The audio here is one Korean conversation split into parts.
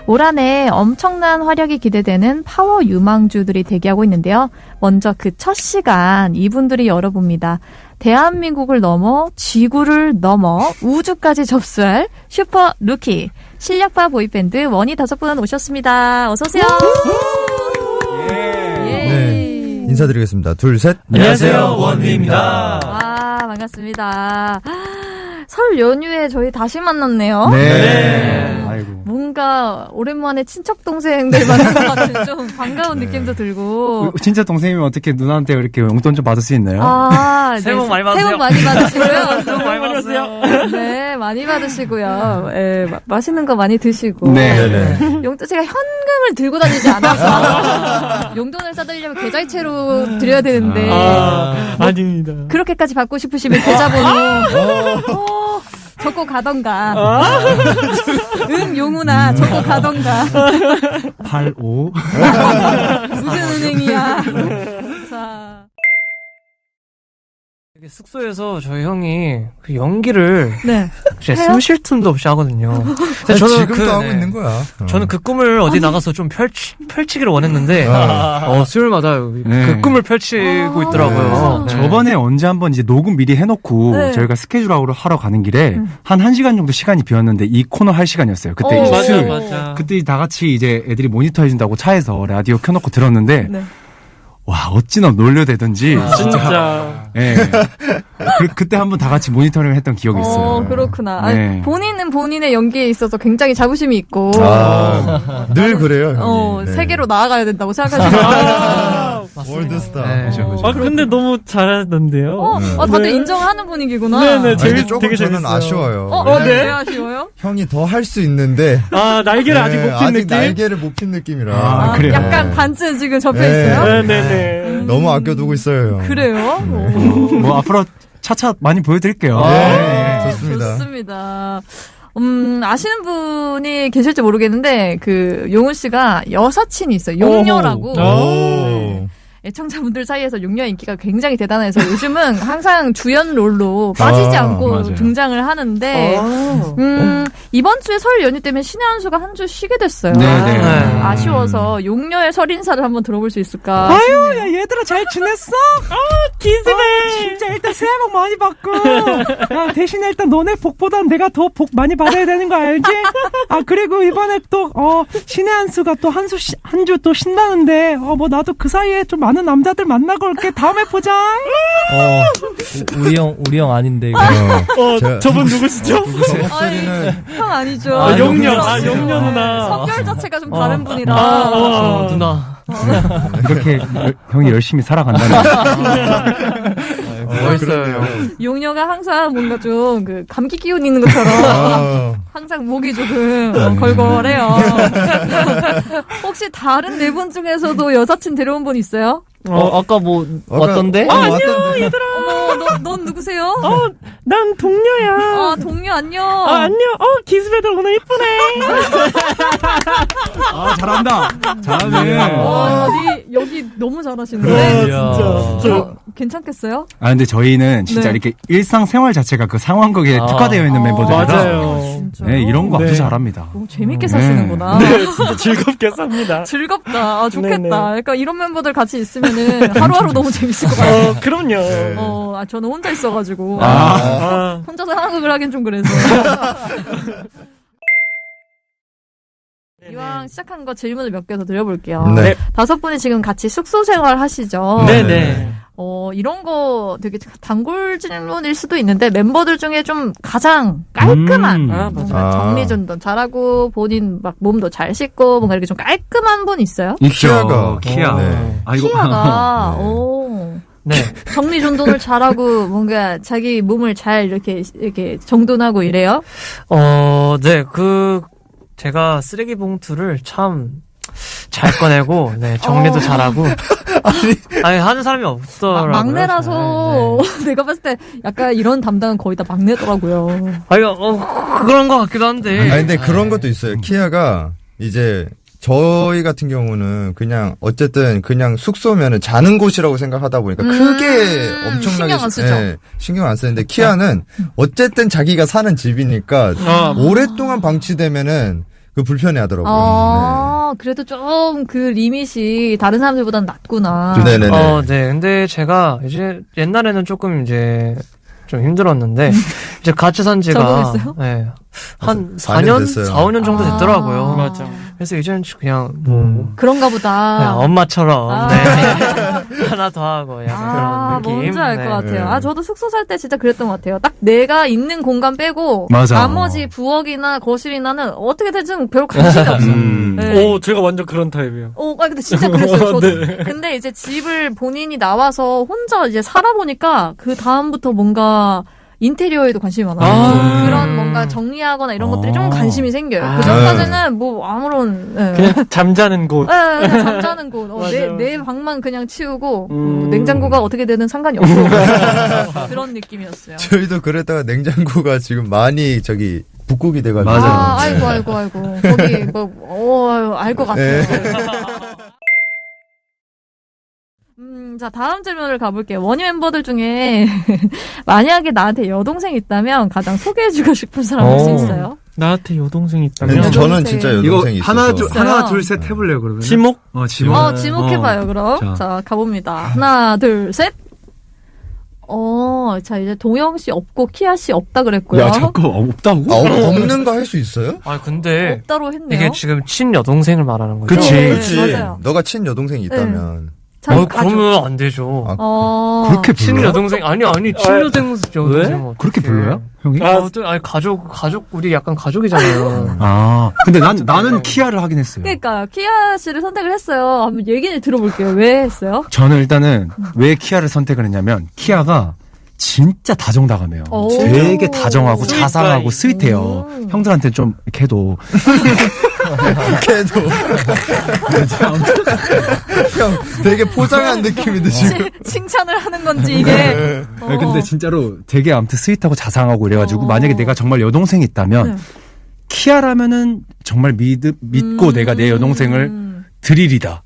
올 한해 엄청난 활약이 기대되는 파워 유망주들이 대기하고 있는데요. 먼저 그 첫 시간 이분들이 열어봅니다. 대한민국을 넘어 지구를 넘어 우주까지 접수할 슈퍼 루키 실력파 보이밴드 원희 5분 오셨습니다. 어서 오세요. 네, 인사드리겠습니다. 둘, 셋. 안녕하세요, 원희입니다. 와, 반갑습니다. 설 연휴에 저희 다시 만났네요. 네. 아이고. 뭔가 오랜만에 친척 동생들 만난 것 같은 좀 반가운 느낌도 들고. 진짜 동생이면 어떻게 누나한테 이렇게 용돈 좀 받을 수 있나요? 아, 새해 복 많이 받으세요. 새해 복 많이 받으시고요. 새해 복 많이 받으세요. 네, 많이 받으시고요. 예, 맛있는 거 많이 드시고. 네. 용돈 제가 현금을 들고 다니지 않아서 용돈을 싸드리려면 계좌이체로 드려야 되는데. 아닙니다. 그렇게까지 받고 싶으시면 계좌번호 적고 가던가. 용우나 적고 가던가. 85. 무슨 은행이야. 자. 숙소에서 저희 형이 그 연기를 네. 진짜 숨 쉴 틈도 없이 하거든요. 근데 아니, 지금도 하고 있는 거야. 저는 그 꿈을 어디 나가서 좀 펼치기를 원했는데, 수요일마다 그 꿈을 펼치고 있더라고요. 네. 저번에 언제 한번 이제 녹음 미리 해놓고 네. 저희가 스케줄하러 하러 가는 길에 한 1시간 정도 시간이 비었는데 이 코너 할 시간이었어요. 그때 이제 수요일. 맞아. 그때 다 같이 이제 애들이 모니터 해준다고 차에서 라디오 켜놓고 들었는데, 네. 와, 어찌나 놀려대던지. 진짜. 예. 그때 한번 다 같이 모니터링을 했던 기억이 있어요. 그렇구나. 네. 아니, 본인은 본인의 연기에 있어서 굉장히 자부심이 있고. 늘 그래요, 형이. 네. 세계로 나아가야 된다고 생각하시는 월드스타. 네. 근데 너무 잘하던데요. 다들 인정하는 분위기구나. 네네, 아니, 근데 조금 되게 저는 재밌어요. 아쉬워요. 왜 아쉬워요? 형이 더 할 수 있는데. 날개를 아직 못 핀 아직 느낌? 날개를 못 핀 느낌이라. 그래요? 약간 반쯤 지금 접혀 네. 있어요? 네네네. 너무 아껴두고 있어요, 형. 그래요? 뭐 앞으로 차차 많이 보여드릴게요. 네, 좋습니다. 좋습니다. 아시는 분이 계실지 모르겠는데, 용훈 씨가 여사친이 있어요. 용녀라고. 오. 애청자분들 사이에서 용녀의 인기가 굉장히 대단해서 요즘은 항상 주연 롤로 빠지지 않고 맞아요. 등장을 하는데, 이번 주에 설 연휴 때문에 신의 한 수가 한 주 쉬게 됐어요. 네네. 아쉬워서 용녀의 설 인사를 한번 들어볼 수 있을까? 아유, 야, 얘들아 잘 지냈어? 기스네. 진짜 일단 새해 복 많이 받고. 야, 대신에 일단 너네 복보단 내가 더 복 많이 받아야 되는 거 알지? 그리고 이번에 또, 신의 한 수가 또 한 주 또 신나는데, 뭐 나도 그 사이에 좀 많은 남자들 만나고 올게. 다음에 보자. 우리 형 아닌데, 이거. 저분 누구시죠? 저 목소리는. 형 아니죠? 용녀. 용녀 누나. 성별 자체가 좀 다른 분이라. 누나. 이렇게 형이 열심히 살아간다는. 멋있어요. 용녀가 항상 뭔가 좀 감기 기운 있는 것처럼 항상 목이 조금 걸걸해요. 혹시 다른 네 분 중에서도 여사친 데려온 분 있어요? 아까 뭐, 왔던데? 안녕, 얘들아. 넌 누구세요? 난 동료야. 동료 안녕. 안녕. 기스배들 오늘 이쁘네. 잘한다. 잘하네. 여기 너무 잘하시는데. 진짜. 괜찮겠어요? 근데 저희는 진짜 네. 이렇게 일상생활 자체가 그 상황극에 특화되어 있는 멤버들이라. 맞아요. 진짜요? 네, 이런 거 아주 네. 잘합니다. 재밌게 사시는구나. 진짜 즐겁게 삽니다. 즐겁다. 좋겠다. 네네. 약간 이런 멤버들 같이 있으면은 하루하루 너무 재밌을 것 같아요. 그럼요. 저는 혼자 있어가지고. 아. 혼자서 상황극을 하긴 좀 그래서. 이왕 시작한 거 질문을 몇 개 더 드려볼게요. 네. 5분이 지금 같이 숙소 생활 하시죠? 네네. 이런 거 되게 단골 질문일 수도 있는데 멤버들 중에 좀 가장 깔끔한 뭔가 정리전도 잘하고 본인 막 몸도 잘 씻고 뭔가 이렇게 좀 깔끔한 분 있어요? 있죠. 키아. 네. 키아가 네. 정리전돈을 잘하고 뭔가 자기 몸을 잘 이렇게 정돈하고 이래요? 네. 제가 쓰레기 봉투를 참 잘 꺼내고, 네, 정리도 잘하고. 아니, 하는 사람이 없더라고요. 막내라서 네. 내가 봤을 때 약간 이런 담당은 거의 다 막내더라고요. 그런 것 같기도 한데. 근데 그런 것도 있어요. 키아가 이제 저희 같은 경우는 그냥 어쨌든 그냥 숙소면은 자는 곳이라고 생각하다 보니까 크게 엄청나게 신경 안 쓰죠. 신경 안 쓰는데 키아는 어쨌든 자기가 사는 집이니까 오랫동안 방치되면은 그 불편해 하더라고요. 아, 그래도 좀 그 리밋이 다른 사람들보다는 낮구나. 네네네. 네. 근데 제가 이제 옛날에는 조금 이제 좀 힘들었는데 이제 같이 산 지가 적응했어요? 네. 한 4년 4년, 됐어요. 4, 5년 정도 됐더라고요. 맞아. 그래서 이제는 그냥 뭐 그런가 보다. 네, 엄마처럼 아. 네. 하나 더 하고 약간 그런 느낌. 뭔지 알 것 네. 같아요. 네. 아, 저도 숙소 살 때 진짜 그랬던 것 같아요. 딱 내가 있는 공간 빼고 맞아. 나머지 부엌이나 거실이나는 어떻게든 별 관심이 없어. 네. 오, 제가 완전 그런 타입이에요. 근데 진짜 그랬어요, 저도. 네. 근데 이제 집을 본인이 나와서 혼자 이제 살아보니까 그 다음부터 뭔가 인테리어에도 관심이 많아요. 아. 그런 뭔가 정리하거나 이런 것들이 좀 아. 관심이 생겨요. 아. 그 전까지는 뭐 아무런, 네. 그냥 잠자는 곳. 네, 그냥 잠자는 곳. 맞아. 내 방만 그냥 치우고, 음. 냉장고가 어떻게 되든 상관이 없고. 그런 느낌이었어요. 저희도 그랬다가 냉장고가 지금 많이 북극이 돼가지고. 맞아요. 아이고. 거기, 알 것 같아요. 자, 다음 질문을 가볼게요. 원희 멤버들 중에 만약에 나한테 여동생이 있다면 가장 소개해주고 싶은 사람 혹시 있어요? 나한테 여동생이 근데 있다면. 저는 진짜 여동생이 있어서. 하나 둘 셋 해볼래요 그러면? 지목? 지목. 지목해봐요, 그럼. 자, 가봅니다. 하나, 둘, 셋. 자, 이제 동영 씨 없고 키아 씨 없다 그랬고요. 야 자꾸 없다고? 없는 거 할 수 있어요? 아 근데 없다로 했네요. 이게 지금 친 여동생을 말하는 거죠. 그치. 네, 그렇지. 맞아요. 너가 친 여동생이 있다면. 그러면 안 되죠. 그렇게 친 불러요? 여동생 아니 친 여동생 그렇게 불러요? 형이? 아니 가족 우리 약간 가족이잖아요. 근데 나는 키아를 하긴 했어요. 그러니까 키아 씨를 선택을 했어요. 한번 얘기를 들어볼게요. 왜 했어요? 저는 일단은 왜 키아를 선택을 했냐면 키아가 진짜 다정다감해요. 오. 되게 다정하고 스윗 자상하고 가이. 스윗해요. 형들한테 좀 걔도 걔도. 형, 되게 포장한 느낌인데, 지금. 칭찬을 하는 건지 이게. 근데 진짜로 되게 아무튼 스윗하고 자상하고 이래가지고 만약에 내가 정말 여동생이 있다면 네. 키아라면은 정말 믿고 내가 내 여동생을 드리리다.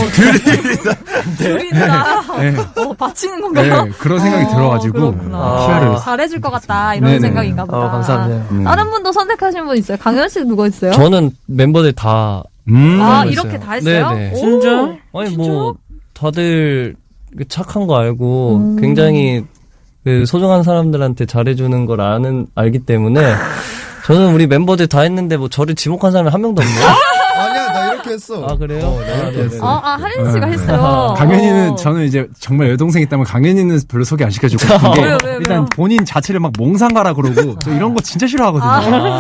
드린다. 네. 바치는 건가요? 네, 그런 생각이 들어가지고 그렇구나. 키아를 잘해줄 것 같다 이런 네네. 생각인가 보다. 감사합니다. 다른 분도 선택하신 분 있어요? 강현 씨 누가 있어요? 저는 멤버들 다 이렇게 있어요. 다 했어요? 네네. 오, 진짜? 아니 진짜? 뭐 다들 착한 거 알고 음. 굉장히 그 소중한 사람들한테 잘해주는 걸 알기 때문에 저는 우리 멤버들 다 했는데 뭐 저를 지목한 사람이 한 명도 없네요. 아니야, 나 이렇게 했어. 아 그래요? 나 이렇게 했어. 하린 씨가 했어요. 강현이는 저는 이제 정말 여동생 있다면 강현이는 별로 소개 안 시켜주고 싶은 게 왜요? 일단 본인 자체를 막 몽상가라 그러고 저 이런 거 진짜 싫어하거든요.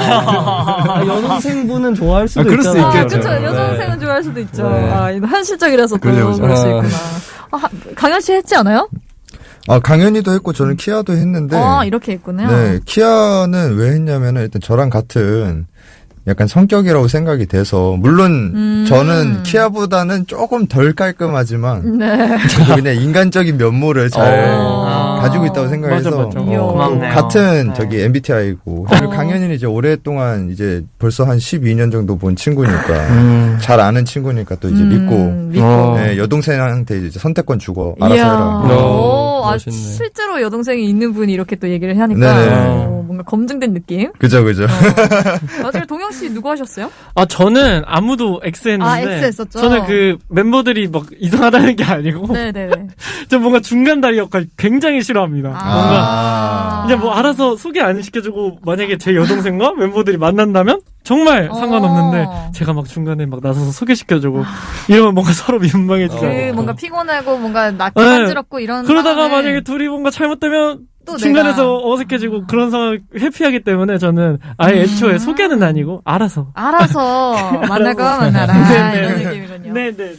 여동생분은 좋아할 수도 그럴 수 있잖아요. 있겠죠. 그쵸. 네. 여동생은 좋아할 수도 있죠. 네. 이거 현실적이라서 또 그죠, 그죠. 그럴 수 있구나. 강현 씨 했지 않아요? 강현이도 했고, 저는 키아도 했는데. 이렇게 했군요. 네, 키아는 왜 했냐면은 일단 저랑 같은 약간 성격이라고 생각이 돼서, 물론 저는 키아보다는 조금 덜 깔끔하지만, 네. 저도 그냥 인간적인 면모를 잘 가지고 있다고 생각해서, 맞아. 고맙네요. 같은 네. MBTI고, 그리고 강현이는 이제 오랫동안 이제 벌써 한 12년 정도 본 친구니까, 잘 아는 친구니까 또 이제 믿고, 네, 여동생한테 이제 선택권 주고, 알아서 해라. 멋있네. 실제로 여동생이 있는 분이 이렇게 또 얘기를 하니까 네네. 뭔가 검증된 느낌. 그죠, 그죠. 나중에 동영 씨 누구 하셨어요? 저는 아무도 X 했는데. X 했었죠? 저는 그 멤버들이 막 이상하다는 게 아니고. 네네네. 저 뭔가 중간다리 역할 굉장히 싫어합니다. 뭔가. 이제 뭐 알아서 소개 안 시켜주고 만약에 제 여동생과 멤버들이 만난다면 정말 상관없는데 제가 막 중간에 막 나서서 소개시켜주고 이러면 뭔가 서로 민망해지잖아요. 뭔가 피곤하고 뭔가 낯이 네. 간지럽고 이런 그러다가 상황을 만약에 둘이 뭔가 잘못되면 또 중간에서 어색해지고 그런 상황 회피하기 때문에 저는 아예 애초에 소개는 아니고 알아서 만날 거 만나라 네네. 이런 느낌이군요. 네네네.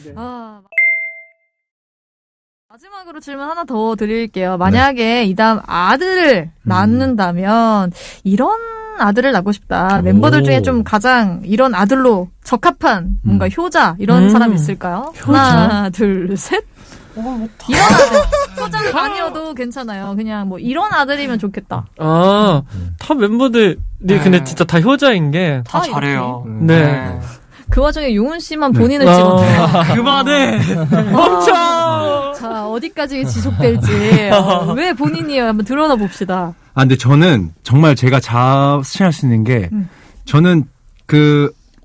마지막으로 질문 하나 더 드릴게요. 만약에 이 다음 아들을 낳는다면 이런 아들을 낳고 싶다. 멤버들 중에 좀 가장 이런 아들로 적합한 뭔가 효자 이런 사람이 있을까요? 하나, 둘, 셋. 이런 아들. 효자가 아니어도 괜찮아요. 그냥 뭐 이런 아들이면 좋겠다. 타 멤버들이 근데 진짜 다 효자인 게. 다 잘해요. 네. 그 와중에 용훈 씨만 본인을 찍었네요. 그만해! 멈춰! 자, 어디까지 지속될지. 왜 본인이에요? 한번 드러나 봅시다. 근데 저는 정말 제가 자신할 수 있는 게 저는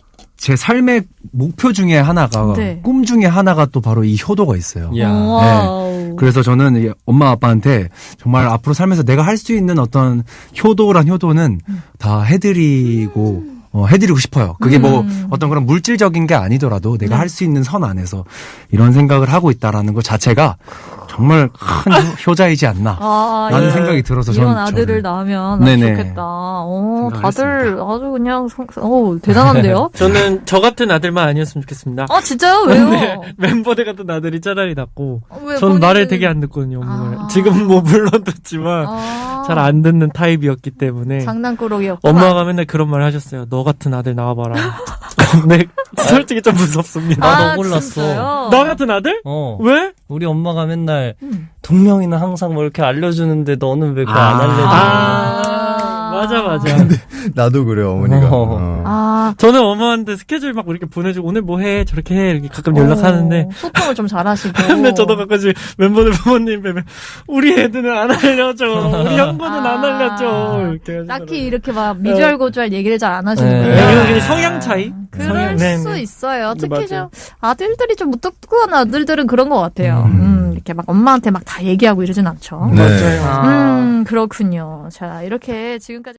제 삶의 목표 중에 하나가 네. 꿈 중에 하나가 또 바로 이 효도가 있어요. 야. 와우. 그래서 저는 이 엄마 아빠한테 정말 앞으로 살면서 내가 할 수 있는 어떤 효도란 효도는 다 해드리고 해드리고 싶어요. 그게 뭐 어떤 그런 물질적인 게 아니더라도 내가 할 수 있는 선 안에서 이런 생각을 하고 있다라는 것 자체가 정말 큰 효자이지 않나 라는 생각이 들어서 이런 저는 아들을 낳으면 아주 네네. 좋겠다. 다들 생각했습니다. 아주 그냥 대단한데요? 저는 저 같은 아들만 아니었으면 좋겠습니다. 진짜요? 왜요? 네, 멤버들 같은 아들이 차라리 낫고 왜 전 본인은- 말을 되게 안 듣거든요. 엄마를. 아. 지금 뭐 물론 듣지만 잘 안 듣는 타입이었기 때문에 장난꾸러기였구나. 엄마가 맨날 그런 말 하셨어요. 너 같은 아들 나와봐라. 근데 솔직히 좀 무섭습니다. 나 너무 놀랐어. 진짜요? 나 같은 아들? 왜? 우리 엄마가 맨날 동명이는 항상 뭐 이렇게 알려주는데 너는 왜 그거 안 알려줘? 맞아. 나도 그래요, 어머니가. 저는 엄마한테 스케줄 막 이렇게 보내주고 오늘 뭐 해? 저렇게 해? 이렇게 가끔 연락하는데 소통을 좀 잘하시고. 근데 저도 가끔씩 멤버들 부모님 뵈면 우리 애들은 안 알려줘. 우리 형부는 안 알려줘. 이렇게 하시더라고요. 딱히 이렇게 막 미주알고주알 얘기를 잘 안 하시는 네. 거예요. 이건 성향 차이? 그럴 네, 수 네. 있어요. 특히 맞아요. 좀 아들들이 좀 무뚝뚝한 아들들은 그런 것 같아요. 이렇게 막 엄마한테 막 다 얘기하고 이러진 않죠. 네. 맞아요. 그렇군요. 자, 이렇게 지금까지